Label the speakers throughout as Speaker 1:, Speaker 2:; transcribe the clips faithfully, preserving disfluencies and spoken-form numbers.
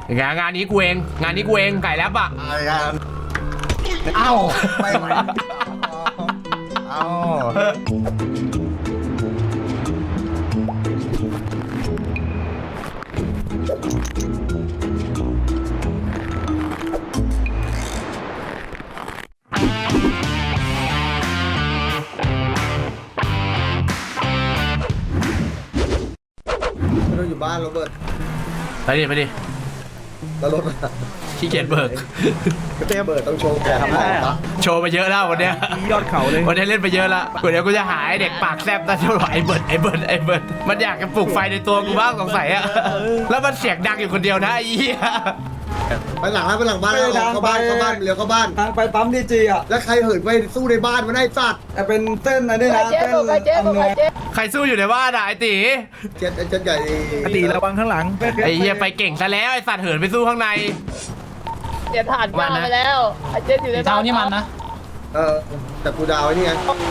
Speaker 1: งานงานนี้กูเองงานนี้กูเองไก่แล้ปะ
Speaker 2: เอ้าไม่ไหวเอ้าเราอยู่บ้านโรเบิร์ต
Speaker 1: ไปดิไปดิ
Speaker 2: แล้วรถ
Speaker 1: ขี้เกียจเบิก
Speaker 2: ก็เต้เบิร์ตต้องโชว์แกทำไมปะ
Speaker 1: โชว์ไปเยอะแล้ววันเนี้ย
Speaker 3: ยอดเขาเลย
Speaker 1: วันนี้เล่นไปเยอะแล้วกูเดี๋ยวกูจะหาไอเด็กปากแซบนั่นเท่าไหร่ไอเบิร์ดไอเบิร์ดไอเบิร์ดมันอยากจะปลุกไฟในตัวกูบ้างสงสัยอะแล้วมันเสียงดังอยู่คนเดียวนะไอ้เหี้ย
Speaker 2: ไปหลังไปหลังบ้านเข้าบ้านเข้าบ้านเลี้ยวเข้าบ้าน
Speaker 4: ทางไปปั๊มดีจีอ่ะ
Speaker 2: แล้วใครเหินไปสู้ในบ้านมันได้สัตว์
Speaker 4: แต่เป็นเส้นอะไรด้วยนะเส้นอำนวย
Speaker 1: ใครสู้อยู่ในบ้านอะไอตี
Speaker 2: เจ็ดเจ็ดใหญ่
Speaker 3: ไอตีระวังข้างหลัง
Speaker 1: ไอเหี้ยไปเก่งซะแล้วไอสัตว์เหินไปสู้ข้างใน
Speaker 5: เดี๋ยวผ่านบ้านไปแล้วไอเจ๊อยู่ในบ้าน
Speaker 6: นี่มันนะ
Speaker 2: เออแต่กูดาวนี่ไง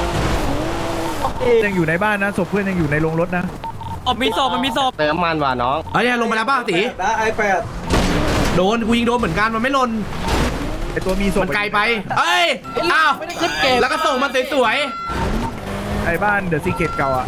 Speaker 3: ยังอยู่ในบ้านนะศพเพื่อนยังอยู่ในโรงรถนะ
Speaker 6: อ๋อมีศพมันมีศพ
Speaker 1: เติมมันว่ะน้องเฮ้ยลงมาแล้วป้าตี
Speaker 4: นะไอแปด
Speaker 1: โดนกูยิงโดนเหมือนกันมันไม่หล่น
Speaker 3: ไอตัวมีศพ
Speaker 1: มันไกลไปเอ้ยอ้าวแล้วก็ส่งมันสวย
Speaker 3: ๆไอบ้านเดอะซีเคทเก่าอ่ะ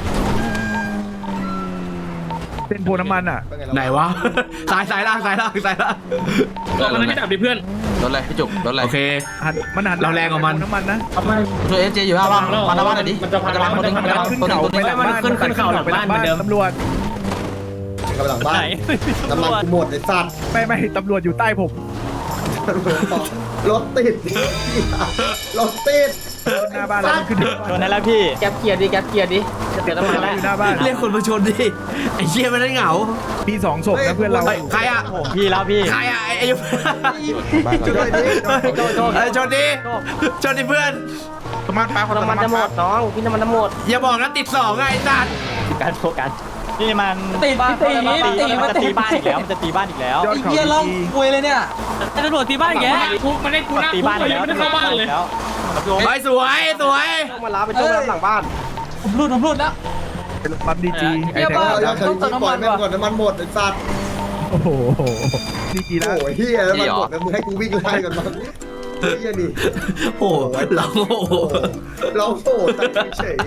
Speaker 3: เส้นโพน้ำมันอ่ะ
Speaker 1: ไหนวะสายสายล่างสายล่างสายล่าง
Speaker 6: ตัวมันไม่ดับดิเพื่อน
Speaker 7: โดนอะไรพี่จุกโดนอะไร
Speaker 1: โอเค
Speaker 3: หันมันหัน
Speaker 1: เราแรงกว่ามัน
Speaker 3: น้ำมันนะ
Speaker 7: ตัวเอสเจอยู่หน้าบ้านมาหน้าบ้านหน่อยดิ
Speaker 6: มันจะพังมันจะพัง
Speaker 3: ขึ้นเขาไปหลังบ้านขึ้นขึ้นเขาหลังบ้านเหมือนเดิมตำรวจ
Speaker 2: กำลังบ้านน้ำมันกูหมดไอ้สัตว์
Speaker 3: ไม่ไม่ตำรวจอยู่ใต้ผม
Speaker 2: รถติดรถติด
Speaker 3: หน้าบ้านแล้วขึ้น
Speaker 6: ชนได้แล้วพี่แก๊ปเกียร์ดิแก๊ปเกียร์ดิจะเปลี่ยนน้ำมันแล้ว
Speaker 3: อยู่หน้าบ้าน
Speaker 1: เรียกคนมาชนดิไอ้เชี่ยมันได้เหงา
Speaker 3: มีสองศพนะเพื่อนเรา
Speaker 1: ใครอ่ะ
Speaker 6: พี่แล้วพี่
Speaker 1: ใครอ่ะไอ้ยุ
Speaker 2: ชนดิ
Speaker 1: ชนดิชนดิเพื่อน
Speaker 6: น้ำมันปลาน้ำมันจะหมดน้องพี่น้ำมันจะหมด
Speaker 1: อย่าบอกนะติดสองไงไอ้สัตว์
Speaker 6: การโฟกัสนี่มันตีตีตีมันจะตีบ้านอีกแล้วมันจะตีบ้านอีกแล้ว
Speaker 3: ไอ้เหี้ยล่อง
Speaker 6: คุยเลยเนี่ยตำรวจตีบ้านแกคุกมันได้กูนะตีบ้านแล้วไม่ได้เข้าบ้านเลย
Speaker 1: ไปสวยสวย
Speaker 2: มาล้าไปช่วยหลังบ้าน
Speaker 6: ผมรูดผมรูดแล้ว
Speaker 3: เป็นปั๊มดีจีไอ้แท็ก
Speaker 2: ต้องเติมน้ำมันก่อนน้ำมันหมดไอ้สัตว์
Speaker 3: โอ้โหดีจีแล้ว
Speaker 2: โอ้ยเฮียน้ำมันหมดแล้วมึงให้กูวิ่งไล่กันมั้งเฮียนี่
Speaker 1: โอ้เรา
Speaker 2: เราโง่ตั้งเฉย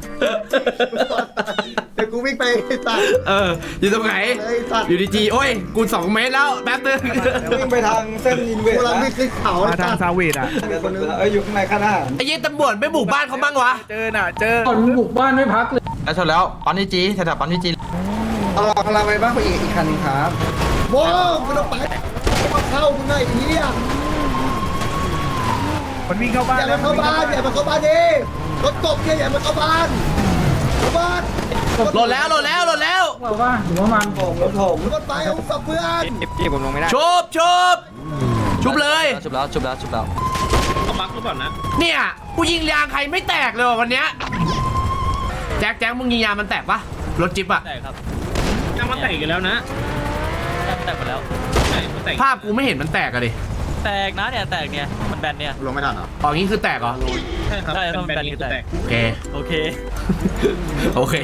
Speaker 2: เดี๋ยวกูวิ่งไปตัด
Speaker 1: เอออยู่ตรงไหนอยู่ดีจีโอ้ยกูสองเมตรแล้วแป๊บนึง
Speaker 4: วิ่งไปทางเส้นอินเวส
Speaker 2: ต์เราวิ่งขึ้นเขา
Speaker 3: มาทางซาเวดอ่ะ
Speaker 4: คนนึงเอออยู่ข้างในข้างหน้า
Speaker 1: ไอ้ยี่ตำรวจไม่บุกบ้านเขาบ้างวะ
Speaker 3: เจอน่ะเจอ
Speaker 6: คนบุกบ้านไม่พักเลย
Speaker 7: แล้วชนแล้วปั๊มนิจีแถวปั๊มนิจี
Speaker 4: เอากำลังไปบ้างไปอีกอีกคันนึงครับ
Speaker 2: โว้าวมันต้องไปเข้ามึงไงเฮีย
Speaker 3: มันวิ่งเข้าบ้าน
Speaker 2: อย่ามาเข้าบ้านอย่ามาเข้าบ้านดิรถตบเนี่ยอย่ามาเข้าบ้านเข้าบ้าน
Speaker 1: หล่นแล้วหล่นแล้วหล่นแล้ว
Speaker 6: ว่าว่าหรือว่ามัน
Speaker 4: ผมรถผม
Speaker 2: รถไปเอาสับเพื่อน
Speaker 6: พี่ผมลงไม่ได้
Speaker 1: ชุบชุบชุบเลย
Speaker 7: ชุบแล้วชุบแล้วชุบแล้ว
Speaker 6: ก็มักหรือเปล่านะ
Speaker 1: เนี่ยกูยิงยางใครไม่แตกเลยวันเนี้ยแจ็คแจ็คมึงยิงยางมันแตกปะรถจิ๊บอะ
Speaker 6: แตกครับยางมันแตกกันแล้วนะแตกไปแล้ว
Speaker 1: ภาพกูไม่เห็นมันแตกอะดิ
Speaker 6: แตกนะเนี่ยแตกเนี่ยมันแบนเนี่ย
Speaker 2: ลงไม่ทันเหรอ
Speaker 1: อ๋องี้คือแตกเหรอ
Speaker 6: ใช่ครับใช่มันแบนคือแตก
Speaker 1: โอเค
Speaker 6: โอเค
Speaker 1: โอเค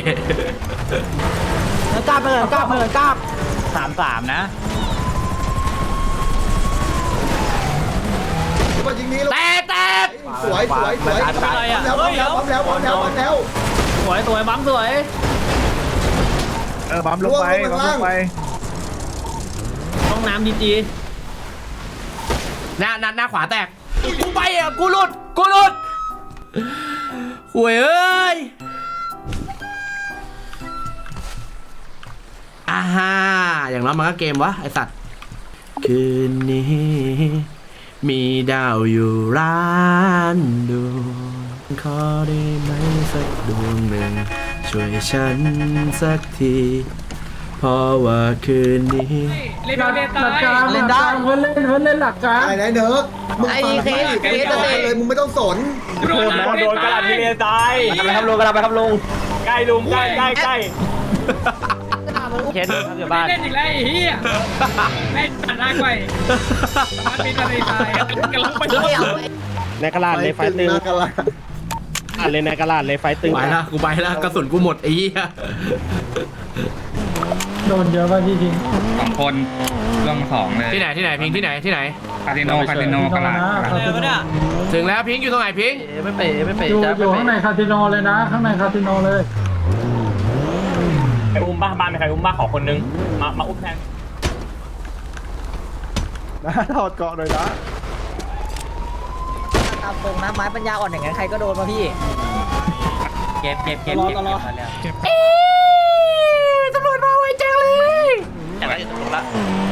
Speaker 6: กล้าไปเลยกล้าไปเลยกล้าสามสามนะ
Speaker 1: แตกแตก
Speaker 2: สวยสวยสวยแล้วแล้วแล้วแล้วแล้ว
Speaker 6: สวยสวยบั๊มสวย
Speaker 3: เออบั๊มลงไปบั๊มลงไป
Speaker 6: ห้องน้ำดีจี
Speaker 1: หน้าหน้าหน้าขวาแตกกูไปอ่ะกูหลุดกูหลุดหวยเอ้ยอ่าฮ่าอย่างน้อยมันก็เกมวะไอสัตว์คืนนี้มีดาวอยู่ร้านดูขอได้ไหมสักดวงหนึ่งช่วยฉันสักทีเพราะว่าคืนนี้
Speaker 6: เล่นได้เล่นได้เพื่อนเล่นเพื่อนเล่นหลักการ
Speaker 2: ไอ้ไหนเนิร์กมึงฟังเคสเคสเลยมึงไม่ต้องสน
Speaker 6: โดนโดนกระดาษที่เรียนตายไปทำลงกระดาษไปทำลงใกล้ลุงใกล้ใกล้ใกล้เคสครับอยู่บ้านเล่นอีกแล้วไอ้เหี้ยเล่นตัดหน้าไปมันเป็นอะไรตายกระลังไป
Speaker 3: ในกระดาษเลยไฟตึงอ่านเลยในกระดาษเลยไฟตึง
Speaker 1: ไปละกูไปละกระสุนกูหมดไอ้เหี้ย
Speaker 6: โดนเยอะป่ะพี่ทิ้งสองคนเรื่องสองเลย
Speaker 1: ที่ไหนที่ไหนพิงที่ไหนที่ไหน
Speaker 6: คาสิโนคาสิโนกลาด
Speaker 1: ถึงแล้วพิงอยู่ตรงไหนพิง
Speaker 7: ไม่เป๋ไม่เป๋
Speaker 8: อยู่
Speaker 7: จ้า
Speaker 8: อยู่ข้างในคาสิโนเลยนะ ข้างในคาสิโนเลย
Speaker 6: ใครอุ้มบ้าบ้านมีใครอุ้มบ้าขอคนนึงมามาอุ้มแทน
Speaker 3: นะถอดเกาะหน่อยนะ
Speaker 5: ตามตรงนะไม้ปัญญาอ่อนอย่างนั้นใครก็โดนมาพี่เก็บเก็บเก็บเก็บเก็บ
Speaker 1: เอ๊ะตำรวจมาไวจังเลย
Speaker 7: อย่างไรอยู่ตรงละ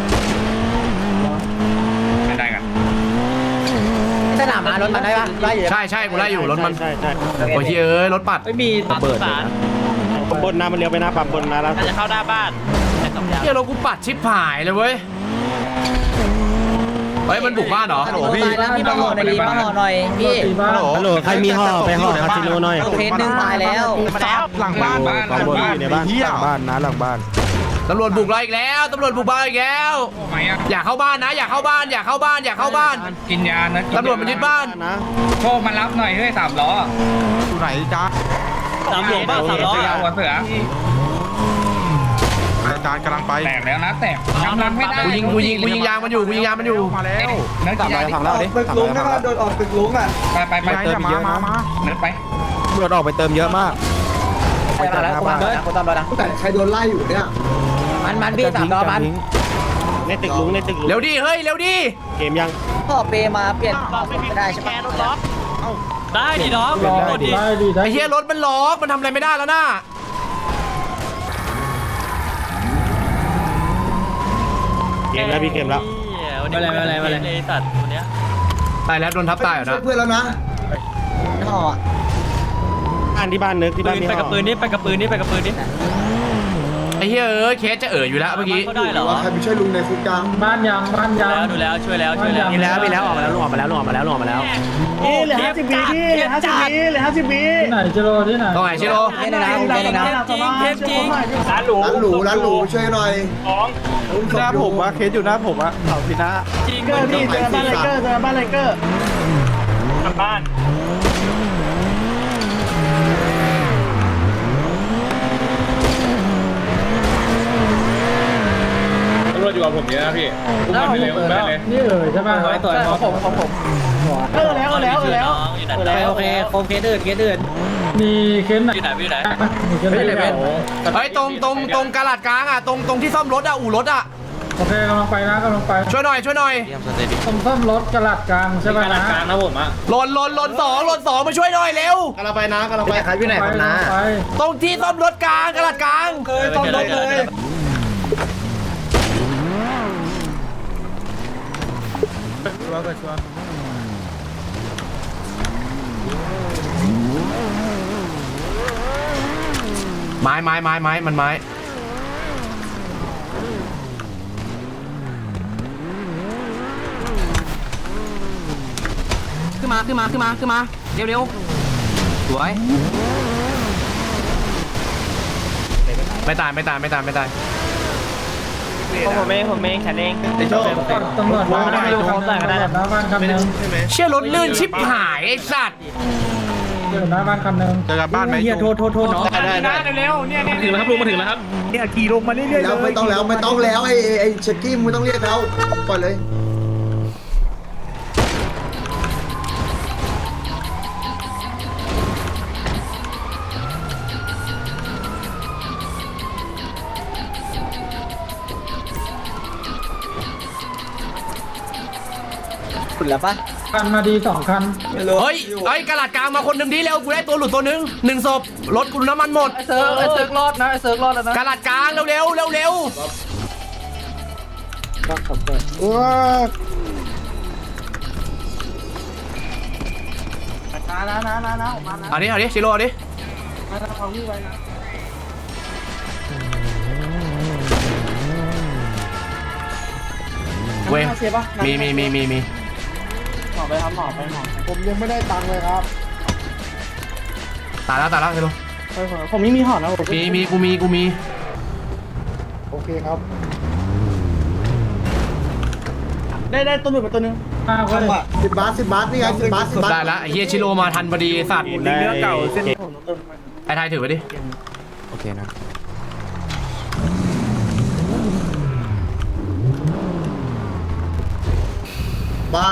Speaker 6: ไม่ได้กัน
Speaker 5: สนามมารถมันได้ปะไล่อยู่
Speaker 1: ใช่ใช่กูไล่อยู่รถมัน
Speaker 3: ใช่ใช่
Speaker 1: โอ้ยเอ้ยรถปัด
Speaker 5: ไม่มี
Speaker 3: ระเบิดเลยนะปั๊มบนน้ำมันเลี้ยวไปหน้าปั๊มบนนะแล้ว
Speaker 7: จะเข้าหน้าบ้านแต่สองอย่าง
Speaker 1: เฮียรถกูปัดชิบหายเลยเว้ยเฮ้ยมันบุกบ้านเหรอ
Speaker 5: ฮัลโหลพี่พี่มาห่อหน่อยดิมาห่อหน่อยพี่
Speaker 8: ตีบ้าน
Speaker 3: ฮัลโหลใครมีห่อไปห่อคาสิโนหน่อย
Speaker 5: เคสหนึ่งตายแล้ว
Speaker 7: มาแล้วหลังบ้าน
Speaker 6: บ้าน
Speaker 3: ปั๊มบนอยู่ในบ้านหลังบ้านนะหลังบ้าน
Speaker 1: ตำรวจบุกเราอีกแล้วตำรวจบุกบ้านอีกแล้ว
Speaker 6: โอ้ไม่อะ
Speaker 1: อย่าเข้าบ้านนะ อย่าเข้าบ้านอย่าเข้าบ้านอย่าเข้าบ้าน
Speaker 6: กินยานะ
Speaker 1: ตำรวจมันยึดบ้าน
Speaker 3: นะ
Speaker 6: โชคมารับหน่อยเฮ้ยสามล้อ
Speaker 7: อยู่ไหนจ้า
Speaker 5: สามหลวงบ้าสามล้อ
Speaker 6: เสือหัวเสือ
Speaker 7: อาจารย์กำลังไป
Speaker 6: แตกแล้วนะแตกกำลังไม่ได้
Speaker 1: กูยิงกูยิงกูยิงยางมันอยู่กูยิงยางมันอยู่
Speaker 7: มาแล้ว
Speaker 6: เนื้อกินยา
Speaker 3: ฝั่งเราดิ
Speaker 4: ตึกลุงนะครับโดนออกตึกลุงอ่ะ
Speaker 6: ไปไปไป
Speaker 7: เติมเยอะมามา
Speaker 6: เนื้อไป
Speaker 3: ตำรวจออกไปเติมเยอะมาก
Speaker 5: ไปตามแล้วกูตามแล้วกูตามแล้วนะ
Speaker 2: แต่ใครโดนไล่อยู่เนี่ย
Speaker 5: มันมันพี่สามล้อมัน
Speaker 3: ในตึกลุงในตึกลุง
Speaker 1: เร็วดิเฮ้ยเร็วดิ
Speaker 3: เกมยัง
Speaker 5: พ่อเปมาเปลี่ยนไม่ได้ใช่ไหม
Speaker 7: ได้ดิน้อง
Speaker 8: รอได้ดีได้
Speaker 1: ไอ้เฮียรถมันล็อกมันทำอะไรไม่ได้แล้วนะ
Speaker 3: เกมแล้วพี่เกมแล้ว
Speaker 7: อะไรอะไรอะไรเลยสัตว์ตัวเนี้ย
Speaker 1: ตายแล้วโดนทับตายเหรอ
Speaker 2: ช่ว
Speaker 1: นะ
Speaker 2: ยเพื่อนแล้วนะ
Speaker 5: ห่อ
Speaker 3: บ้านที่บ้านนึกที่บ้านมี
Speaker 7: ไป
Speaker 3: ห่
Speaker 7: กับปืน
Speaker 3: อ
Speaker 7: นี่ไปกับปืนนี่ไปกับปืนนี่
Speaker 1: ไอ้เฮียเอ้ยเคสจะเอ๋ออยู่แล้วเมื่อกี้
Speaker 7: เขาได้เหรอ
Speaker 2: ว่าใครไปช่วยลุงในคุกกลาง
Speaker 8: บ้านยังบ้านยัง
Speaker 7: แล้วดูแล้วช่วยแล้วช่วยแล้ว
Speaker 8: มีแล้วมีแล้วออกมาแล้ว
Speaker 3: ลงออกมาแล้วลงออกมาแล้วลงออกมาแล้ว
Speaker 7: นี่เหลือห้าสิบวิพี่เหลือห้าสิบวิเหลือห้าสิบวิ
Speaker 8: ที่ไหนจิโร่ที่ไหน
Speaker 1: ตรงไหนชิโร่
Speaker 5: เล่นนะเล่นนะ
Speaker 7: จริงเทปจริงร้านหรู
Speaker 2: ร้านหรูร้านหรูช่วยหน่อย
Speaker 6: ของ
Speaker 2: อุ้มศพ
Speaker 3: หน้า
Speaker 2: อยู่
Speaker 3: ผมอะเคสอยู่หน้าผมอะเสาพินะ
Speaker 7: จริง
Speaker 2: เกอร์พี่เจอบ้านไลเกอร์
Speaker 3: เจอบ้านไลเกอร์
Speaker 6: กลับบ้านตำรวจอยู่กับผมเยอะนะพี่อุ้มไปเลยอุ้มไปเลย
Speaker 8: นี่เอ๋ยใช่ไหม
Speaker 5: ตัวของผมของผม
Speaker 7: เออแล้วแล้วแล้วอยู่ไหน
Speaker 5: โอเคโอเคโคมเคสอื่นเคสอื่น
Speaker 8: มีเคสไหน
Speaker 7: อยู่ไหนอยู่ไหน
Speaker 8: มีเคสไหน
Speaker 1: เฮ้ยตรงตรงตรงกระดาษกลางอ่ะตรงตรงที่ซ่อมรถอ่ะอู่รถอ่ะ
Speaker 8: โอเคกำลังไปนะกำลังไป
Speaker 1: ช่วยหน่อยช่วยหน่อย
Speaker 7: เยี่ยมสเตดิ
Speaker 8: ต้มซ่อมรถกระหลัดกลางใช่ไหมนะ
Speaker 6: กลางนะผมอ่ะ
Speaker 1: หล่นหล่นหล่นสองหล่นสองมาช่วยหน่อยเร็ว
Speaker 3: กำลังไปนะกำลังไปครับอยู่ไหนครับนะ
Speaker 8: ไป
Speaker 1: ตรงที่ซ่อมรถกลางกระดาษกลาง
Speaker 7: เคยต้องรถเลย
Speaker 1: ไม้ไม้ไม้ไม้มันไม้ขึ้นมาขึ้นมาขึ้นมาขึ้นมาเร็วเร็วสวยไม่ตายไม่ตายไม่ตายไม่ตาย
Speaker 7: ผมเองผมเองแขนเอง
Speaker 3: ไอ้โชค
Speaker 8: ตำรวจมาได้ตำรวจหน้าบ้านคันหนึ่ง
Speaker 1: เชี่ยรถลื่นชิบหายไอ้สัตว์
Speaker 8: เจอหน้าบ้านคันหนึ่ง
Speaker 7: เจอกันบ้านไหม
Speaker 8: เฮียโทษโทษโทษน้อง
Speaker 3: ได้ได้
Speaker 6: เร็วๆเนี่ยเนี่ยถึงแล้วครับลุงมาถึงแล้วครับ
Speaker 3: เนี่ยขี่ลงมาเรื่อยๆ
Speaker 2: แล้วไม่ต้องแล้วไม่ต้องแล้วไอ้ไอ้ไอ้เช็คกี้มึงไม่ต้องเรียกแล้วปล่อยเลย
Speaker 5: คุณแล้วปะ
Speaker 8: คันมาดีสองคัน
Speaker 1: เฮ้ยเฮ้ยกระดาษกลางมาคนหนึ่งดีเร็วกูได้ตัวหลุดตัวหนึ่งหนึ่งศพรถกูน้ำมันหมด
Speaker 5: เซิร์ฟเซิร์ฟรอดนะเซิร์ฟรอดแล้วนะ
Speaker 1: กระดาษกลางเร็วเร็วเร็วเร็ว
Speaker 3: ว้า
Speaker 1: เอาดิเอาดิชิโร่เอาดิเว้ยมีมีมีมีมี
Speaker 3: ผมยังไม่ได้ตังค์เลยครับ
Speaker 1: ตายแล้วตายแล้วชิโร่
Speaker 3: ผมไม่มีห่อนะผม
Speaker 1: มีมีกูมีกูมี
Speaker 3: โอเคครับ ได้ได้ตัวหนึ่งมาตัวหนึ่ง
Speaker 8: ห้าคนเลย
Speaker 2: สิบบาทสิบบาทนี่ไงสิบบาทสิบบาท
Speaker 1: ได้แล้วไอ้เฮียชิโร่มาทันพอดีไอ้สัตว์
Speaker 3: เนื้อเก่าเส้น
Speaker 1: ไอ้ไทยถือไว้ดิ
Speaker 3: โอเคนะ
Speaker 2: บ้าน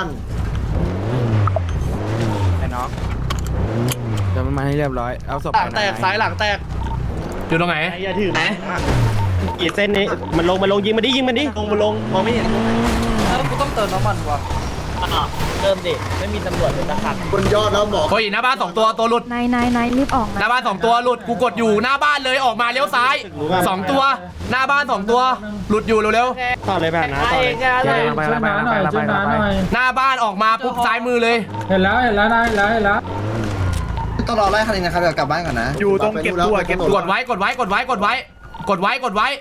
Speaker 7: ไอ้น้อง
Speaker 3: เดี๋ยวมันมาให้เรียบร้อยเอาศพ
Speaker 7: หลังแตกซ้ายหลังแตก
Speaker 1: อยู่ตรงไหน
Speaker 3: ไอ้อย่าถือนะกี่เส้นนี้มันลงมันลงยิงมันดิยิงมันดิลงมันลงมองไม่เห็น
Speaker 7: แล้วกูต้องเติมน้ำมันวะ
Speaker 5: เริ่มดิไม่มีตำรวจเลยสักคัน
Speaker 2: บนยอดแล้วหมอ
Speaker 1: โอ้ยหน้าบ้านสองตัวตัวหลุด
Speaker 9: นายนายนายรีบออก
Speaker 1: ห
Speaker 9: นะ
Speaker 1: น้าบ้านสองตัวหลุดกูกดอยู่หน้าบ้านเลยออกมาเลี้ยวซ้ายสองตัวหน้าบ้านสองตัวหลุดอยู่เร็ว
Speaker 3: ต่อเลยแบบนะต่อเลย
Speaker 8: ช่วยน้าหน่อยช่วยน้าหน่อย
Speaker 1: ๆหน้าบ้านออกมาปุ๊บซ้ายมือเลย
Speaker 8: เห็นแล้วเห็นแล้วนายเห็นแล้วเห็นแล้ว
Speaker 2: ต้องรอไล่คันนี้นะครับเดี๋ยวกลับบ้านก่อนนะ
Speaker 3: อยู่ตรงเก็บตัวเก็บ
Speaker 1: กดไว้กดไว้กดไว้กดไว้กดไว้กดไว้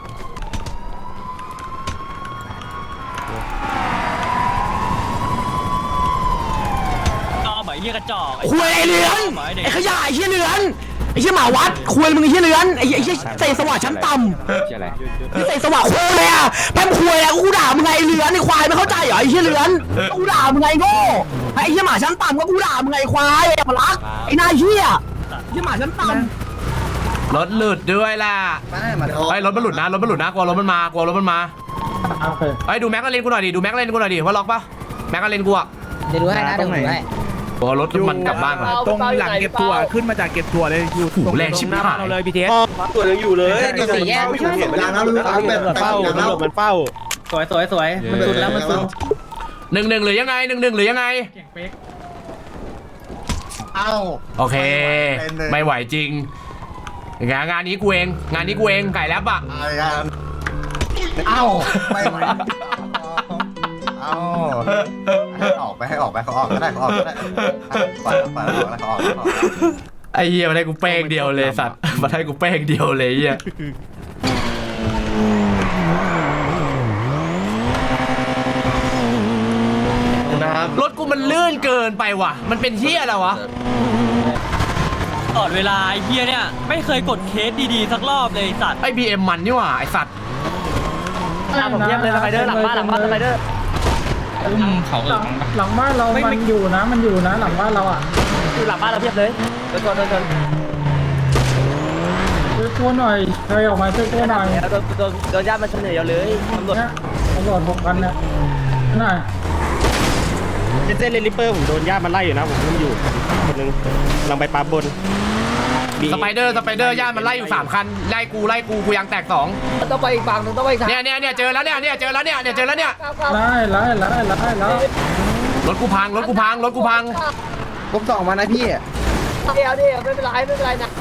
Speaker 7: จอเหมยเรียกกระจอก
Speaker 1: คุยไอ้เหลืองไอ้ขยะไอ้เหี้ยเหลืองไอ้เหี้ยหมาวัดคุยมึงไอ้เหี้ยเหลืองไอ้เหี้ยไอ้เหี้ยเตะสว่างชั้นต่ำ
Speaker 3: เชี่ยอะไร
Speaker 1: นี่เตะสว่างคุยเลยอ่ะแม่งคุยอ่ะกูด่ามึงไงไอ้เหลืองไอ้ควายไม่เข้าใจเหรอไอ้เหี้ยเหลืองกูด่ามึงไงโง่ไอ้เหี้ยหมาชั้นต่ำก็กูด่ามึงไงควายอย่ามารักไอ้นายเหี้ยเหี้ยหมาชั้นต่ำรถหลุดด้วยล่ะ
Speaker 2: ไม่มา
Speaker 1: ไอ้รถมันหลุดนะรถมันหลุดนะกลัวรถมันมากลัวรถมันมา
Speaker 8: โอเค
Speaker 1: ไอ้ดูแม็กกาเลนกูหน่อยดิดูแม็กกาเลนกูหน่อยดิว่าล็อกปะแม็กกาเลนกูอ่ะ
Speaker 5: เดี๋ยวดูให้นะเดี๋ยวดูให้
Speaker 1: กลัวรถมันกลับบ้านก่อน
Speaker 3: ตรงหลังเก็บตัวขึ้นมาจากเก็บตัวเลยอยู่
Speaker 1: หูแรงชิบหาย
Speaker 3: เราเลยพีเทสตัวยังอยู่เลย
Speaker 5: สี่แยก
Speaker 2: เห็นเวลาแล้วรู้เอาแบบ
Speaker 3: มันเฝ้ามันหลบมันเฝ้า
Speaker 5: สวยสวยสวยมันสุดแล้วมันสุด
Speaker 1: หนึ่งหนึ่งหรือยังไงหนึ่งหนึ่งหรือยังไง
Speaker 6: เก่งเป๊ก
Speaker 2: เอ้า
Speaker 1: โอเค ไม่ไหวจริงงานงานนี้กูเองงานนี้กูเองไก่แลบอ่ะ
Speaker 2: อะไรกันเอ้าไม่ไหวเอ้าให้ออกไปให้ออกไปเขาออกก็ได้เขาออกก็ได้ปล่อยปล่อยออกแล้วเขาออกเขาออก
Speaker 1: ไอ้เหี้ยมาได้กูเป้งเดียวเลยสัตว์มาได้กูเป้งเดียวเลยเหี้ยรถกูมันลื่นเกินไปว่ะมันเป็นเหี้ยอะไรวะ
Speaker 7: ตลอดเวลาไอ้เฮียเนี่ยไม่เคยกดเคสดีๆสักรอบเลยสัตว์
Speaker 1: ไอ้บีเอ็มมันนี่หว่าไอ้สัตว์
Speaker 5: ผมเยี่ยมเลยสไปเดอร์หลังบ้านหลังบ้านสไปเดอร์
Speaker 6: เขา
Speaker 8: หลังหลังบ้านเรามันอยู่นะมันอยู่นะหลังบ้านเราอ่ะ
Speaker 5: อยู่หลังบ้านเราเพียบเลยโดนโดนโดนโดน
Speaker 8: ช่วยกู้หน่อยใครออกมาช่วยกู้หน่อย
Speaker 5: โดนโดนโดนญาติมันเฉลยเอาเลยตำรวจ
Speaker 8: เนี่ยตำรวจหกพันเนี่ยหน่อย
Speaker 3: เส้นเลนลิปเปอร์ผมโดนญาติมันไล่อยู่นะผมยังอยู่คนนึงลองไปปั๊บบน
Speaker 1: สไปเดอร์สไปเดอร์ย่านมันไล่อยู่สามคันไล่กูไล่กูกูยังแตกสอง
Speaker 5: ต้องไปอีกฝั่งนึงต้องไปอีกทาง
Speaker 1: เนี่ยเนี่ยเนี่ยเจอแล้วเนี่ยเนี่ยเจอแล้วเนี่ยเนี่ยเจอแล้วเนี่ย
Speaker 8: ไล่ไล่ไล่ไล่ไล่
Speaker 1: รถกูพังรถกูพังรถกูพัง
Speaker 2: ผมส่องมานะพี่
Speaker 5: เดี๋ยวเดี๋ยวไม่เป็นไรไม่เป็นไรนะ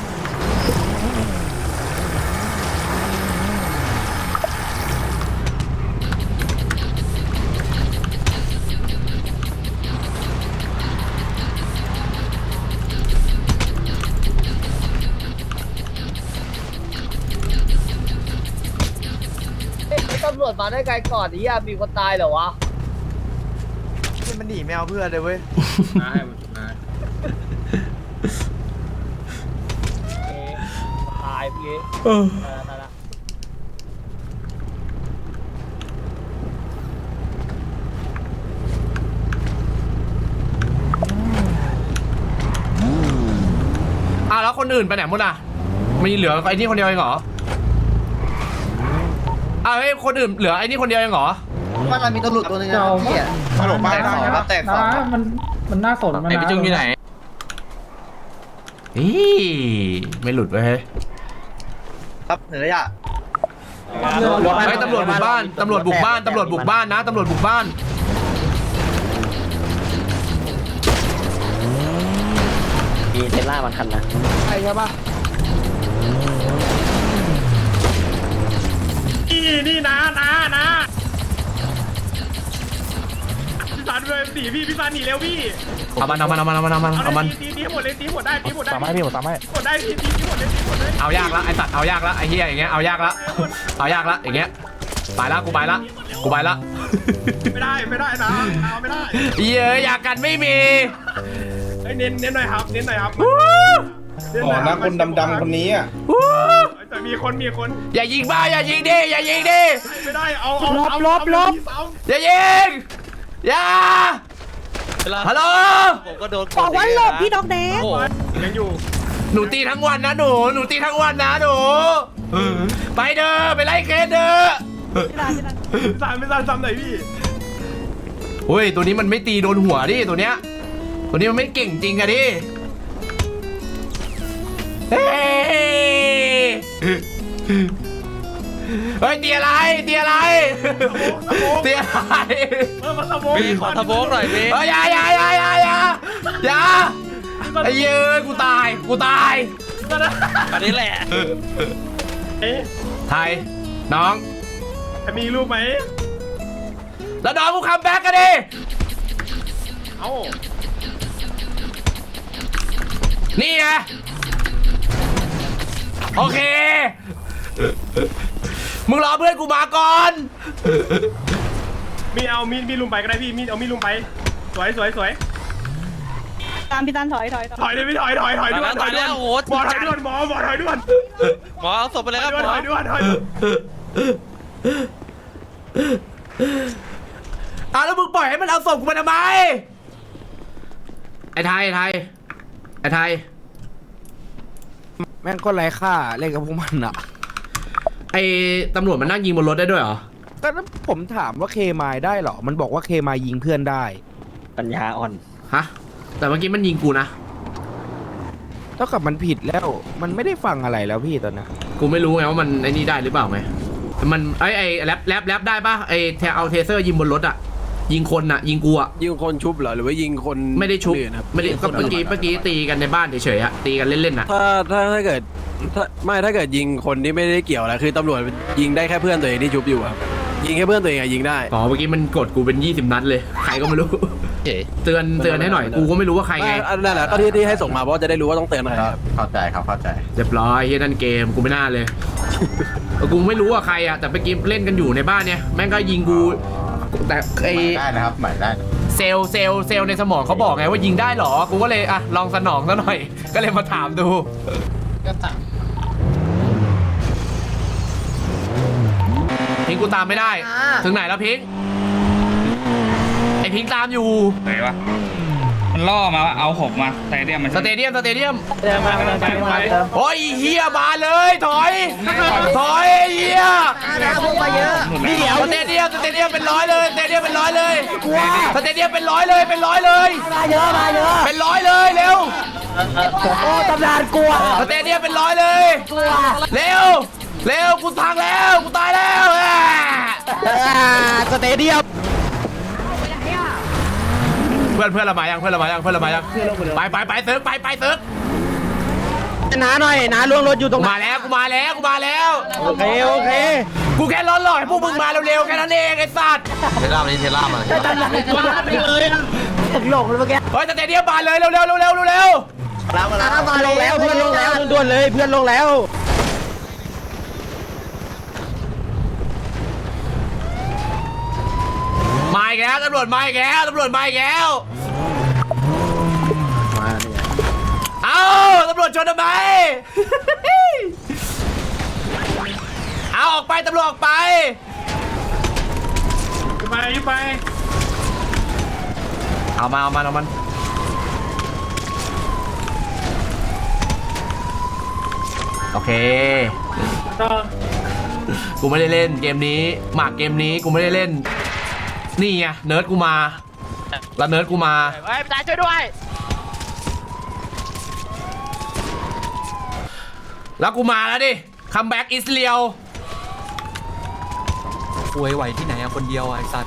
Speaker 5: ตำรวจมาได้ไกลก่อนนี่ยมีคนตายเหรอวะ
Speaker 3: มันหนีแมวเพื่อนเลยเว้ย
Speaker 6: มาให้มันมา
Speaker 5: ตายพี่ตายละ
Speaker 1: อ่ะแล้วคนอื่นไปไหนหมดอ่ะมีเหลือไอ้นี่คนเดียวเองเหรออ่ะเฮ้ยคนอื่นเหลือไอ้นี่คนเดียวเองเหรอ
Speaker 2: บ้านเรามีตำรวจตัวนึงนะ
Speaker 8: เจ้า
Speaker 2: พี่
Speaker 3: ฮัลโหลบ้าน
Speaker 2: แตกสองครับแตกสอง
Speaker 8: นะมันมันน่าสนมัน
Speaker 6: ไอ้พี่จุ้งอยู่ไหน
Speaker 1: อีไม่หลุดไว้เฮ้ย
Speaker 2: ครับเหนืออะ
Speaker 1: เฮ้ยตำรวจบุกบ้านตำรวจบุกบ้านตำรวจบุกบ้านนะตำรวจบุกบ้าน
Speaker 5: มีเทล่ามันคันนะใช่ใช่ปะ
Speaker 3: นี่นี่นะนะนะพี่สันเลยหนีพี่พี่สันหนีเร็วพี่
Speaker 1: เอามันเอามันเอามันเอามันเอามันเอามัน
Speaker 3: ตีตีหมดเลยตีหมดได้ตีหมดได้
Speaker 7: ตามให้พี่ผมตามให้
Speaker 3: หมดได้ตีตีหมดเลยตีหมดเลย
Speaker 1: เอายากละไอสัตว์เอายากละไอเฮียอย่างเงี้ยเอายากละเอายากละอย่างเงี้ยไปละกูไปละกูไปละ
Speaker 3: ไม่ได้ไม่ได้นะเอาไม่ได้
Speaker 1: เย้ยอยากกันไม่มี
Speaker 3: ไอ้เน้นเน้นหน่อยครับเน้นหน่อยครับ
Speaker 4: อ๋อนะคนดำๆคนนี้อ่ะ
Speaker 3: แต่มีคนมีคน
Speaker 1: อย่ายิงบ้าอย่ายิงดิอย่ายิงดิ
Speaker 3: ไม่ได้เอาเอาเอาลบลบ
Speaker 1: อย่ายิงอย่าฮัลโหล
Speaker 7: ผมก็โดน
Speaker 9: บอกว่าหลบพี่ดอกแดง
Speaker 3: ยังอยู่
Speaker 1: หนูตีทั้งวันนะหนูหนูตีทั้งวันนะหนูไปเด้อไปไล่เคสเด้อ
Speaker 3: สามไม่สามซ้ำไหนพี่
Speaker 1: เฮ้ยตัวนี้มันไม่ตีโดนหัวดิตัวเนี้ยตัวนี้มันไม่เก่งจริงอะดิเฮ้ยเฮ้ยเตียอะไรเตียอะไรเตียอะไร
Speaker 7: มีขอทะโบกหน่อยมี
Speaker 1: เฮ้ยอย่าอย่าอย่าอย่าอย่าอย่าไอ้เย้ยกูตายกูตาย
Speaker 7: อันนี้แหละ
Speaker 1: ไทยน้อง
Speaker 3: มีรูปไหม
Speaker 1: แล้วน้องกูคัมแบ็กกันดิ
Speaker 3: เอ้า
Speaker 1: นี่ไงโอเคมึงรอเพื่อนกูมาก่อน
Speaker 3: มีเอามีดมีลุมไปก็ได้พี่มีเอามีดลุมไปสวยสวยสวย
Speaker 9: ตามพี่ตันถอยถอยถอย
Speaker 3: ถอยเลยพี่ถอยถอยถอยด่วนถอยด่วน
Speaker 7: โอ้โห
Speaker 3: หมอถอยด่วนหมอหมอถอยด่วน
Speaker 7: หมอเอาศพไปเลยครับ
Speaker 3: ด่วน
Speaker 7: หมอ
Speaker 3: ถอยด่วนถอย
Speaker 1: อ้าวแล้วมึงปล่อยให้มันเอาศพกูมาทำไมไอ้ไทยไอ้ไทยไอ้ไทย
Speaker 10: แม่งก็ไร้ค่าเล่นกับพวกมันอะ
Speaker 1: ไอ้ตำรวจมันนั่งยิงบนรถได้ด้วยเหรอ
Speaker 10: ก็ผมถามว่าเคมายได้เหรอมันบอกว่าเคมายยิงเพื่อนได้
Speaker 3: ปัญญาอ่อน
Speaker 1: ฮะแต่เมื่อกี้มันยิงกูนะ
Speaker 10: เท่ากับมันผิดแล้วมันไม่ได้ฟังอะไรแล้วพี่ตอนนี้
Speaker 1: กูไม่รู้ไงว่ามันไอ้นี่ได้หรือเปล่าไงมันไอ้ไอ้แรปแรปแรปได้ปะไอ้แทเอาเทเซอร์ยิงบนรถอะยิงคนอะยิงกูอะ
Speaker 10: ยิงคนชุบเหรอหรือว่ายิงคน
Speaker 1: ไม่ได้ชุบไม่ได้ก็เมื่อกี้เมื่อกี้ตีกันในบ้านเฉยๆอะตีกันเล่นๆอะ
Speaker 10: ถ้าถ้าถ้าเกิดถ้าไม่ถ้าเกิดยิงคนที่ไม่ได้เกี่ยวอะไรคือตำรวจยิงได้แค่เพื่อนตัวเองที่ชุบอยู่ครับยิงแค่เพื่อนตัวเองอะยิงได้
Speaker 1: อ๋อเมื่อกี้มันกดกูเป็นยี่สิบนัดเลยใครก็ไม่รู้เตือนเตือนให้หน่อยกูก็ไม่รู้ว่าใครไง
Speaker 10: นั่นแหละก็ที่ที่ให้ส่งมาเพราะจะได้รู้ว่าต้องเตือนใคร
Speaker 2: เข้าใจครับเข้าใจ
Speaker 1: เรียบร้อยเฮียนั่นเกมกูไม่น่าเลย กูไม่รู้ว่าใครอะแต่เมื่อกี้เล่นกันอยู่ในบ้านเนี่ยแม่งก็ยิงกูแต่ไอ
Speaker 2: ได้นะครับใหม่ได้
Speaker 1: เซลล์เซลล์เซลล์ในสมองเขาบอกไงว่ายิงได้เหรอกูก็เลยอ่ะลองสนองซะหน่อยก็เลยมาถามดูพิงกูตามไม่ได้ถึงไหนแล้วพิงไอพิงตามอยู่
Speaker 6: ไหนวะมันล่อมาว่าเอาหกมาแต่เดียมมัน
Speaker 1: สเตเดียมสเตเดียม
Speaker 3: เดินมาเดินไปเดินไป
Speaker 1: โอ้ยเฮียมาเลยถอยถอยเฮีย
Speaker 5: พวกมาเยอะ
Speaker 1: นี่เดี๋ยวสเตเดียมสเตเดียมเป็นร้อยเลยสเตเดียมเป็นร้อยเลยสเตเดียมเป็นร้อยเลยเป็นร้อยเลย
Speaker 5: มาเยอะมาเยอะ
Speaker 1: เป็นร้อยเลยเร็ว
Speaker 5: โอ้ตำนานกลัว
Speaker 1: สเตเดียมเป็นร้อยเลยเร็วเร็วกูทางแล้วกูตายแล้วสเตเดียมเพื่อนเพื่อนละมายังเพื่อนละมายังเพื่อนละมายังไปไปไปเซิร์ฟไปไปเซิร์ฟ
Speaker 3: น้าหน่อยน้าล่วงรถอยู่ตรง
Speaker 1: มาแล้วกูมาแล้วกูมาแล้ว
Speaker 3: โอเคโอเค
Speaker 1: กูแค่ร้อนหล่อให้พวกมึงมาเร็วๆแค่นั้นเองไอ้สัตว์
Speaker 2: เทล่ามานี่เทล่ามา
Speaker 5: ตำนานกลัวไปเลยถึงหลงเลยเมื่อกี้
Speaker 1: เฮ้ยสเตเดียมมาเลยเร็วๆเร็วๆเร็วๆเร็ว
Speaker 5: แล้วมาแล้วมา
Speaker 3: ลงแล้วเพื่อนลงแล้วด่วนเลยเพื่อนลงแล้ว
Speaker 1: มาอีกแล้วตำรวจมาอีกแล้วตำรวจมาอีกแล้ว
Speaker 2: มานี่
Speaker 1: เอ้าตำรวจชนทำไม เอาออกไปตำรวจออกไป
Speaker 3: ไปไป
Speaker 1: เอามาเอามันเอามันโอเคกูไม่ได้เล่นเกมนี้หมากเกมนี้กูไม่ได้เล่นนี่ไงเนิร์ดกูมาแล้วเนิร์ดกูมา
Speaker 7: เฮ้ยตายช่วยด้วย
Speaker 1: แล้วกูมาแล้วดิคัมแบ็กอิสเรียว
Speaker 7: ป่วยไหวที่ไหนอะคนเดียวไอ้สัตว์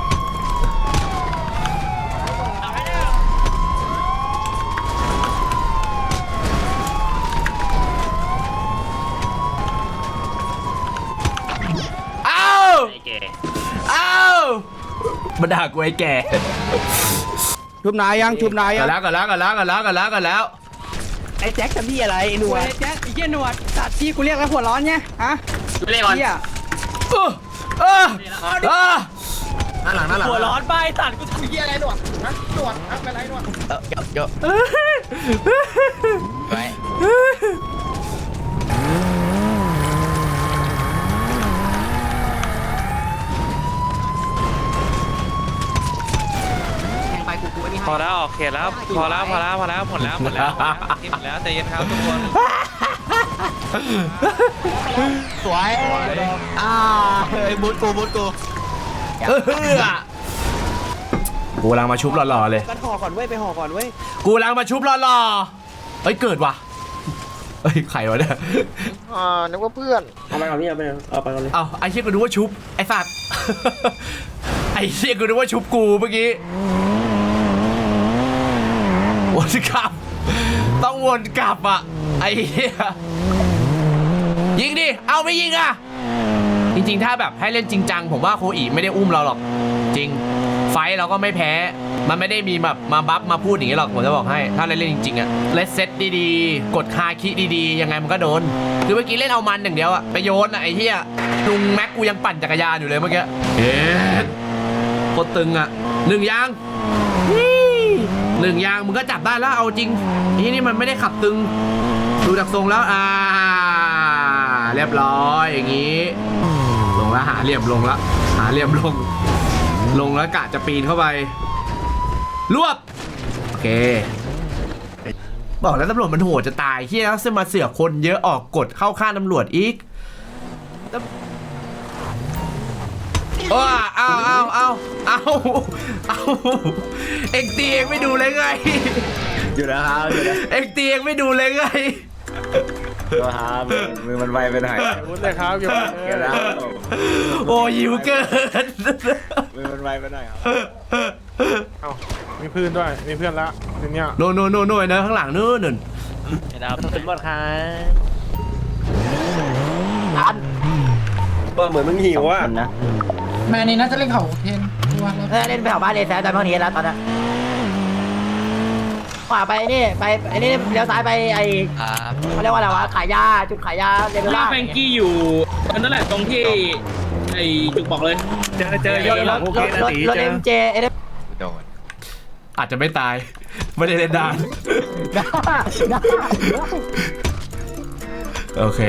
Speaker 1: เอ้าเอ้ามาด่ากูไอ้แก่
Speaker 10: ชุบนายยังชุบนาย
Speaker 1: กั
Speaker 10: ยั
Speaker 1: น
Speaker 10: ง
Speaker 1: แล้วกันแล้วกันแล้วกันแล้วกันแล้วกันแล้ว
Speaker 3: ไอ้แจ็คทำพี่อะไรไอ้หนวด
Speaker 8: แจ๊คไอ้เหี้ยหนวดสัตว์ที่กูเรียกแล้วหัวร้อนไงฮะ
Speaker 7: เรียกก่อน
Speaker 8: เหี้ย
Speaker 1: เออเออเออ
Speaker 2: หน้าหลังหน้าหลัง
Speaker 7: หัวร้อนไปสัตว์กูทำเหี้ยอะไรหนวด พอแล้วโอเคแล้วพอแล้วพอแล้วพอแล้วหมดแล้วหมดแล้วที่หมดแล้วใจเย็นครับทุกคน
Speaker 1: สวย
Speaker 2: อ่าเฮ้ยบูทกูบูทกู
Speaker 1: เออกูกำลังมาชุบหล่อๆเลย
Speaker 3: กันห่อก่อนเว้ยไปห่อก่อนเว้ย
Speaker 1: กูกำลังมาชุบหล่อๆเฮ้ยเกิดว่ะเฮ้ยใครวะเนี่ย
Speaker 3: อ่านึกว่าเพื่อนเอาไปก่อนพี่เอาไปเอาไปก่อนเลย
Speaker 1: เอาไอ้เชี่ยกูนึกว่าชุบไอ้สัตว์ ไอ้เชี่ยกูนึกว่าชุบกูเมื่อกี้วนกลับต้องวนกลับอ่ะไอ้เหี้ยยิงดิเอาไม่ยิงอ่ะจริงๆถ้าแบบให้เล่นจริงจังผมว่าโคอีไม่ได้อุ้มเราหรอกจริงไฟเราก็ไม่แพ้มันไม่ได้มีแบบมาบัฟมาพูดอย่างนี้หรอกผมจะบอกให้ถ้าเล่นจริงๆอะเลสเซตดีๆกดคาคิดีๆยังไงมันก็โดนคือเมื่อกี้เล่นเอามันอย่างเดียวอะไปโยนอะไอ้เหี้ยลุงแม็กกูยังปั่นจักรยานอยู่เลยเมื่อกี้เอ๊ะโคตรตึงอะหนึ่งยางหนึ่งยางมึงก็จับได้แล้วเอาจริงไอ้นี่มันไม่ได้ขับตึงดูจากทรงแล้วอ่าเรียบร้อยอย่างนี้ลงแล้วหาเหลี่ยมลงแล้วหาเหลี่ยมลงลงแล้วกะจะปีนเข้าไปรวบโอเคบอกแล้วตำรวจมันโหดจะตายเฮียแล้วจะมาเสือกคนเยอะออกกฎเข้าข้างตำรวจอีกโอ้เอาเอาเอาเอาเอาเอ็งตีเองไม่ดูเลยไง
Speaker 2: อยู่นะครับอยู่นะ
Speaker 1: เอ็งตีเองไม่ดูเลยไง
Speaker 2: ตัวฮามือมันไวไปหน่อย
Speaker 3: พูดเลยครับอยู่
Speaker 2: เกิดแล้ว
Speaker 1: โอ้ยิวเกิน
Speaker 2: มือมันไวไปหน่อยครับ
Speaker 3: เอ้ามีเพื่อนด้วยมีเพื่อนละทีเนี้ย
Speaker 1: โน่นโน่นโน่นโน่นนะข้างหลังนู่นนู่น
Speaker 3: ครับเป็นบอลค่ะ
Speaker 5: ก็เหมือนมึงหิวอ่ะ
Speaker 8: แม่นี่น่าจะเล่นเขาเทน
Speaker 5: เออเล่นไปแถวบ้านเลยแซมตอนนี้แล้วตอนนี้ขวาไปนี่ไปไอ้นี่เลี้ยวซ้ายไปไอ้เขาเรียกว่าอะไรวะขายยาจุดขายยาเรเบลล่า
Speaker 6: แฟงกี้อยู่ตอนนั้นแหละตรงที่ไอ้จุกบอกเลยเจอเจอยอด
Speaker 5: รถรถรถรถเอ็มเจเอ็ม
Speaker 2: โดน
Speaker 1: อาจจะไม่ตายไม่ได้เล่นดานโอเค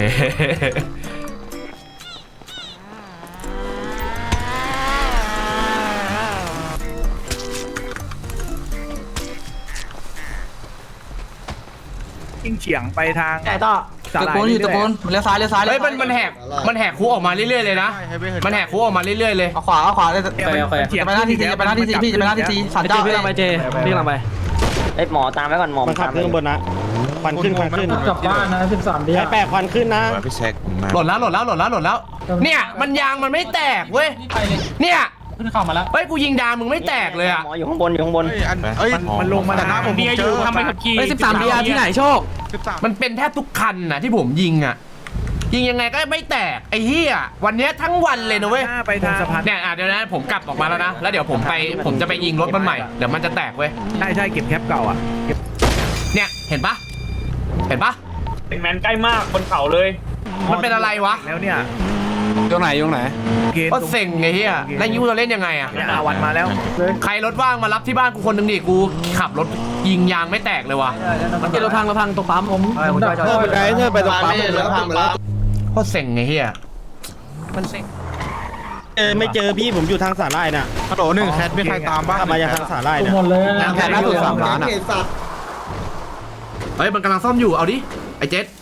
Speaker 3: ยิ่งเฉียงไปทาง
Speaker 5: แต่ต่อ
Speaker 3: ตะโกนอยู่ตะโกน
Speaker 8: เลี้ยวซ้ายเลี้ยวซ้าย
Speaker 1: เฮ้ยมันมันแหกมันแหกคุกออกมาเรื่อยๆเลยนะมันแหกคุกออกมาเรื่อยๆเลย
Speaker 8: เอาขวาเอาขวาเลย
Speaker 3: ไปไป
Speaker 8: จะไปหน้าที่ซีจะไปหน้าที่ซีพี่จะไปหน้าที่ซีสันเจ้าพี่ลังไปเจพี่ลังไป
Speaker 5: ไอ้หมอตามไว้ก่อนหมอ
Speaker 3: มันขับขึ้นบนนะควันขึ้นควันขึ้น
Speaker 8: กลับบ้านนะสิบสามเดีย
Speaker 3: ไอ้แปะควันขึ้นนะ
Speaker 2: พี่เช็คมา
Speaker 1: หล่นแล้วหล่นแล้วหล่นแล้วหล่นแล้วเนี่ยมันยางมันไม่แตกเว้ยเนี่ย
Speaker 8: ขึ้นเข้ามาแล้ว
Speaker 1: เฮ้ยกูยิงดามึงไม่แตกเลยอะ
Speaker 5: หมออยู่ข้างบนอยู่ข้างบน
Speaker 2: เอ้ย
Speaker 3: มันลงมาแต่หน้าผมเบียอยู่ทำไมขับขี่
Speaker 8: เฮ้ยสิบสามเดียที่ไหนโชค
Speaker 1: มันเป็นแทบทุกคันนะที่ผมยิงอะยิงยังไงก็ไม่แตกไอ้เหี้ยวันเนี้ยทั้งวันเลยนะเว้ย
Speaker 3: ไปทางสะพาน
Speaker 1: เนี่ยอ่ะเดี๋ยวนะผมกลับออกมาแล้วนะแล้วเดี๋ยวผมไปผมจะไปยิงรถมันใหม่เดี๋ยวมันจะแตกเว้ย
Speaker 3: ใช่ใช่เก็บแคปเก่าอ่ะ
Speaker 1: เนี่ยเห็นปะเห็นปะ
Speaker 6: เป็นแมนใกล้มากบนเขาเลย
Speaker 1: มันเป็นอะไรวะ
Speaker 3: แล้วเนี่ย
Speaker 10: ตรงไหนตรงไหน
Speaker 1: ก็เซ็งไงเฮียแล้วยูจะเล่นยังไงอะ
Speaker 3: อาวันมาแล้ว
Speaker 1: ใครรถว่างมารับที่บ้านกูคนหนึ่งดิกูขับรถยิงยางไม่แตกเลยว่ะ
Speaker 8: มันเป็นรถพังรถพังตรงปั๊มผม
Speaker 5: ผมจอดจอด
Speaker 10: เธอไปไกลเธอไปตรงปั๊ม
Speaker 2: แล้วพังไปแล้ว
Speaker 1: โคตรเซ็งไงเฮียมันเซ็ง
Speaker 3: เจอไม่เจอพี่ผมอยู่ทางสาลายน่ะ
Speaker 4: ฮัลโหลหนึ่งแคทมีใครตามบ้าง
Speaker 3: ขับมาจากทางสาลายน่ะ
Speaker 8: หมดเลย
Speaker 10: แค่ล่าสุดสามล้านอ่ะ
Speaker 1: เฮ้ยมันกำลังซ่อมอยู่เอาดิไอ้เจ็ด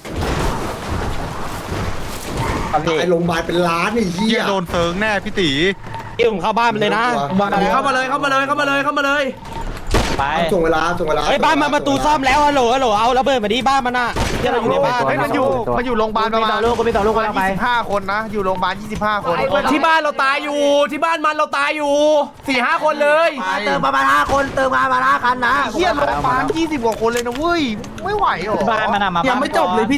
Speaker 2: ไอ้โรงพยาบาลเป็นล้านไอ้เหี้
Speaker 4: เหี้
Speaker 2: ย
Speaker 4: ยโดนเซิงแน่พี่ตี
Speaker 3: พี่ผมเข้าบ้านไปเลยนะ
Speaker 1: เข้ามาเลยเข้ามาเลยเข้ามาเลยเข้ามาเลย
Speaker 3: ไป
Speaker 2: ส่งเวลาส่งเวลา
Speaker 3: ไอ้บ้านมาประตูซ่อมแล้วฮัลโหลฮัลโหลเอาระเบิดมาดิบ้านมันน่ะที่เราอยู่ในบ้าน
Speaker 4: เฮ้ยมันอยู่มันอยู่โรงพยาบาลประมาณ
Speaker 5: มีต่อลูกกูมีต่อลูกกูแล้วไป
Speaker 4: ยี่สิบห้าคนนะ อยู่โรงพยาบาลยี่สิบห้าคน
Speaker 1: ที่บ้านเราตายอยู่ที่บ้านมันเราตายอยู่สี่ห้าคนเลย
Speaker 5: เติมประมาณห้าคนเติมมาประมาณห้าคันนะ
Speaker 4: เหี้ยโรงพยาบาลยี่สิบกว่าคนเลยนะเว้ย ไม่ไหวหรอ
Speaker 5: บ้านมันมา
Speaker 8: ยังไม่จบเลยพี่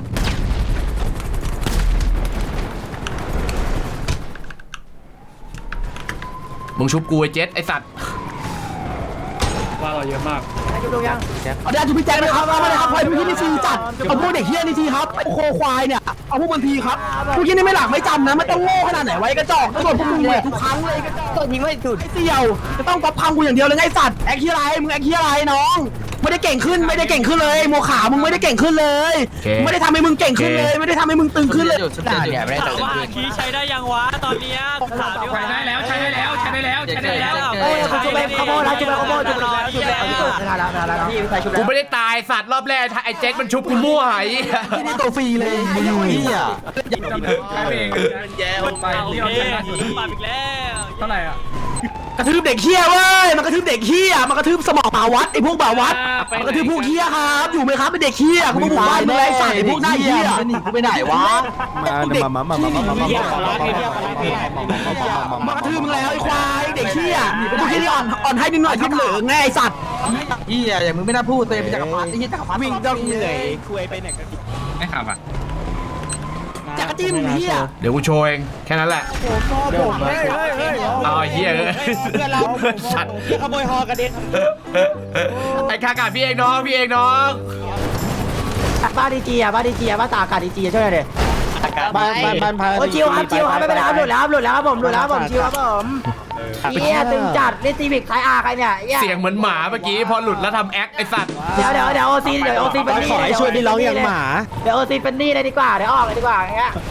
Speaker 1: มึงชุบกูไอ้เจ็ดไอ้สัตว์
Speaker 6: ว่าเราเยอะมาก
Speaker 5: อยู่ตรงยัง
Speaker 8: เอาเดี๋ยวจูพี่แจ็คนะครับเอามาเลยครับใครเป็นพี่นี่ซีจัดเอาพวกเด็กเฮี้ยนี่ทีครับโคควายเนี่ยเอาพวกมันทีครับพวกนี้นี่ไม่หลักไม่จำนะไม่ต้องโง่ขนาดไหนไว้กระจอกตำรวจพวกมึงเลยทุกครั้งเลยกระจอก
Speaker 5: ตัวยิงไม่สุด
Speaker 8: ไอ้เสี่ยวจะต้องก๊อปพังกูอย่างเดียวเลยไงสัตว์แอคเฮียไรมึงแอคเฮียไรน้องไม่ได้เก่งขึ้นไม่ได้เก่งขึ้นเลยโมขามึงไม่ได้เก่งขึ้นเลยไม่ได้ทำให้มึงเก่งขึ้นเลยไม่ได้ทำให้มึงตึงขึ้นเลย
Speaker 5: ด่าเนี่ยไม่ได้
Speaker 7: ถามว่าคีใช้ได้ยังวะตอนเนี้ยถามดิ
Speaker 6: ใช้
Speaker 7: ว่า
Speaker 6: ได้แล้วใช้ได้แล้วใช้ได้แล้วใช้ได้แล้ว
Speaker 5: เฮ้ยกูไปขโมยแล้วกูไปขโมยจุดแล้วจุดแล้วจุดแล้วจุดแล้วพี่ใส่ชุด
Speaker 1: กู
Speaker 5: แล้ว
Speaker 1: ไม่ได้ตายสัตว์รอบแรกไอ้เจ็ดมันชุบกูมั่วไอ้
Speaker 8: ที่นี่ตัวฟรีเลยไอ้เหี้ย
Speaker 6: ใช้เองแย่ลงไป
Speaker 7: โอ
Speaker 6: ที่
Speaker 7: เค
Speaker 6: เราชนะสุด
Speaker 7: ปาอีกแล้ว
Speaker 6: เท่าไหร่อ่ะ
Speaker 8: กระทืบเด็กเฮี้ยเว้ยมันกระทืบเด็กเฮี้ยมันกระทืบสมองบ่าวัดไอ้พวกบ่าวัดมันกระทืบพวกเฮี้ยครับอยู่ไหมครับเป็นเด็กเฮี้ยกูบอกว่ามึงไรใส่พวกหน้าเฮี้ยหนีกูไปไหนวะมามามามามามามา
Speaker 3: เฮียขอร้องเฮียขอร้องเฮีย
Speaker 8: มากระทืบมึงแล้วไอ้ควายเด็กเฮี้ยพวกเฮี้ยนี่อ่อนอ่อนให้นิดหน่อยที่เหลือไงไอ้สัตว์
Speaker 2: เฮียอย่างมึงไม่น่าพูดตัวเองเป็นจักรพรรดิไอ้เฮียจักรพรรดิ
Speaker 3: วิ่งต้องเหนื่อยคุยไปไหนกัน
Speaker 6: ไม่ขับอ่ะ
Speaker 8: จักรจี้มึงเฮี้ย
Speaker 1: เดี๋ยวกูโชว์เองแค่นั้นแหละ
Speaker 3: ผมเฮ้ยเฮ้ยเฮ้ย
Speaker 1: เอาไอ้เหี้ยเอ้ย
Speaker 3: เพื่อนเรา
Speaker 1: สัตว์
Speaker 3: ขโมยฮอกระเด็น
Speaker 1: ไอ้คากาพี่เองน้องพี่เองน้อง
Speaker 8: บ้านดีจีอ่ะบ้านดีจีอ่ะบ้านตากาศดีจีช่วยหน่อยดิ
Speaker 3: บ้านบ้านบ้านพา
Speaker 8: โอ้ชิวครับชิวครับไม่เป็นไรครับหลุดแล้วครับหลุดแล้วครับผมหลุดแล้วครับผมชิวครับผมเฮียตึงจัดเล่นซีวิกไทยอาร์ใครเนี่ยเฮีย
Speaker 1: เสียงเหมือนหมาเมื่อกี้พอหลุดแล้วทำแอคไอ้สัตว์
Speaker 8: เดี๋ยวเดี๋ยวเดี๋ยวโอซีเดี๋ยวโอซีเป็นนี่
Speaker 3: ขอให้ช่วยพี่ร้องอย่างหมา
Speaker 8: เดี๋ยวโอซีเป็นนี่เลยดีกว่าเดี๋ยวออกเลยดีกว่าอย่างเงี้ย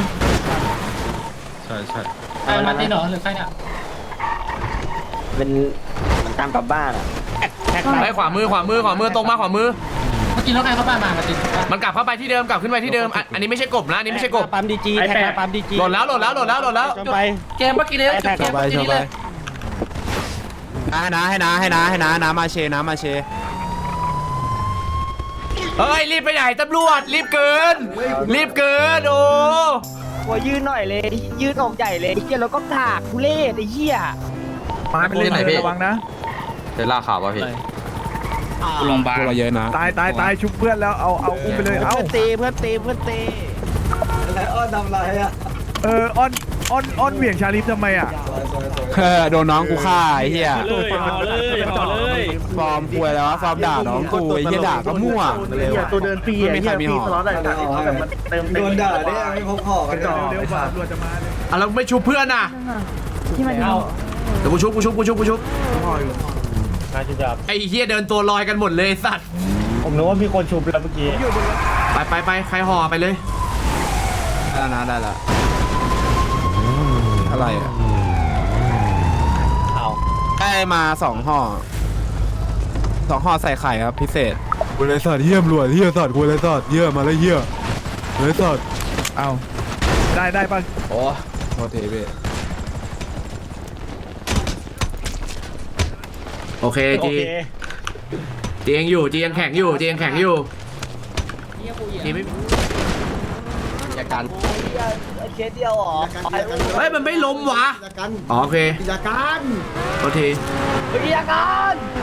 Speaker 2: ใช่ใช่
Speaker 6: ไอ้มาตีหนอหรือใครเนี่ย
Speaker 5: เป็นมันตามกลับบ้านอ่ะ
Speaker 1: ไปขวามือขวามือขวามือตรงมาขวามือ
Speaker 6: เมื่อกี้รถใครเข้าบ้านมามาติด
Speaker 1: มันกลับเข้าไปที่เดิมกลับขึ้นไปที่เดิมอ่ะอันนี้ไม่ใช่กบนะอันนี้ไม่ใช่กบ
Speaker 3: ปั๊มดีจีแท็กมาปั๊มดีจี
Speaker 1: โหลดแล้วโหลดแล้วโหลดแล้วโหลดแล้ว
Speaker 3: จนไป
Speaker 6: เกมเมื่อกี้เลยเกมเมื่อกี้เลย
Speaker 10: ให้นะให้นะให้นะให้นะน้ำมาเชน้ำมาเช
Speaker 1: เฮ้ยรีบไปไหนตำรวจรีบเกิน รีบเกินโอ้
Speaker 3: หัวยืนหน่อยเลยยืนอกใหญ่เลยเฮียแล้วก็ถากทุเรศไอ้เฮีย
Speaker 2: มาเป็นเล่นไหนพี่
Speaker 4: ระวังนะ
Speaker 2: เจอล่าข่าวป่ะพี่
Speaker 6: โรงพยาบาล
Speaker 10: พวกเราเยอะนะ
Speaker 4: ตายตายตายชุบเพื่อนแล้วเอาเอาอุ้มไปเลยเอา
Speaker 3: เพื่อนตีเพื่อนตีเพื่อนตี
Speaker 4: เออออนออนออนเหวี่ยงชาลิฟทำไมอ่ะ
Speaker 10: เออโดนน้องกูฆ่าไอ้เหี้ย
Speaker 3: เลยห่อเลยห่อเลย
Speaker 10: ฟอร์มป่วยแล้ววะฟอร์มด่าน้องกูไอ้เหี้ยด่าก็มั่ว
Speaker 8: ตัวเดินปี
Speaker 10: ไม่มีใครมีหอ
Speaker 8: โดนด่าเนี่ยไม่พกหอกกันจ่อ
Speaker 4: เร็วกว่าตำรวจจะมาเลย
Speaker 1: อ่ะแล้วไม่ชุบเพื่อนอ่ะ
Speaker 9: ที่มัน
Speaker 1: เดี๋ยวกูชุบกูชุบกูชุบกูชุบ
Speaker 3: น่าจะจับ
Speaker 1: ไอ้เฮียเดินตัวลอยกันหมดเลยไอ้สัตว์
Speaker 3: ผมนึกว่ามีคนชุบแล้วเมื่อกี้
Speaker 1: ไปไปไปใครห่อไปเลย
Speaker 10: ได้แล้วนะได้แล้วอะไรอ่ะ
Speaker 3: เอา
Speaker 10: ได้มาสองห่อสองห่อใส่ไข่ครับพิเศษกูเลยสอดเยี่ยมรวยเยี่ยสอดกูเลยสอดเยี่ยมาแล้วเยี่ยเลยสอด
Speaker 4: เอาได้ได้ป่ะ
Speaker 10: โอ้โทษทีพี่
Speaker 1: โอเค
Speaker 3: โอ
Speaker 1: จี
Speaker 3: เค
Speaker 1: จียังอยู่จียังแข็งอยู่จียังแข็งอยู่จีไม่
Speaker 2: จากการ
Speaker 5: เคสเดียวหรอ
Speaker 1: เฮ้ยมันไม่ล้มวะอ๋อโอเคจากการโทษที
Speaker 5: วิทยาการ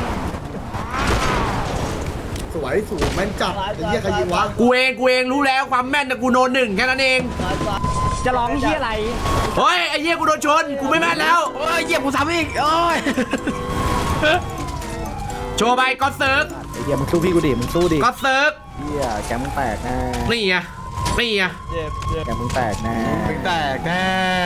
Speaker 2: สวยสูงแม่นจับไอ้เหี้ยใครยิงวะ
Speaker 1: กูเองกูเองรู้แล้วความแม่นแต่กูโดนหนึ่งแค่นั้นเอง
Speaker 3: จะร้องเฮียอะไร
Speaker 1: เฮ้ยไอ้เหี้ยกูโดนชนกูไม่แม่นแล้ว
Speaker 8: โอ้ยเหยียบกูซ้ำอีกโอ้ย
Speaker 1: โชว์ไปก็เซิร์ฟ
Speaker 8: เหยียบมึงสู้พี่กูดิมึงสู้ดิ
Speaker 1: ก็เซิร์ฟ
Speaker 8: เฮียแกมึงแตกแน่
Speaker 1: นี่ไงนี่ไง
Speaker 8: แกมึงแตกแน่
Speaker 2: มึงแตกแน่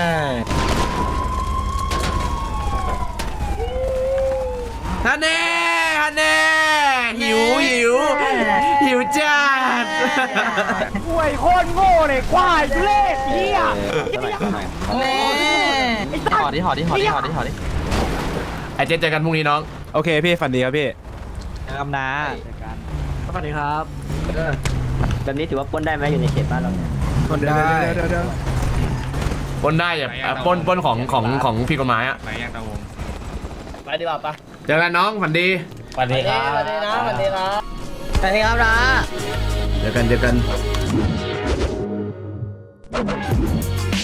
Speaker 1: ฮันเน่ฮันเน่หิวหิวหิวจัด
Speaker 3: ห่วยโคตรโง่เลยควายทุเรศเฮีย
Speaker 5: แม่
Speaker 2: หอดิหอดิหอดิหอดิหอดิ
Speaker 1: ไอเจนเจอกันพรุ่งนี้น้อง
Speaker 10: โอเคพี่ฝันดีครับพี่
Speaker 3: กำนา
Speaker 8: สวัสดีครับ
Speaker 5: แบบนี้ถือว่าปล้นได้ไหมอยู่ในเขตบ้านเราเนี่ย
Speaker 10: คนได้
Speaker 4: เดี๋ยวเดี๋ยวเดี๋ยว
Speaker 1: ปล้นได้แบบอ่ะปล้นปล้นของของของผิดกฎหมายอ่ะ
Speaker 6: ไหนยังตะวง
Speaker 5: ไปดีกว่าปะ
Speaker 1: เจอกันน้องฝันดี
Speaker 3: สวัสดีครับ
Speaker 5: สวัสดีนะสวัสดีนะสวัสดีครับนะ
Speaker 1: เจอกันเจอกัน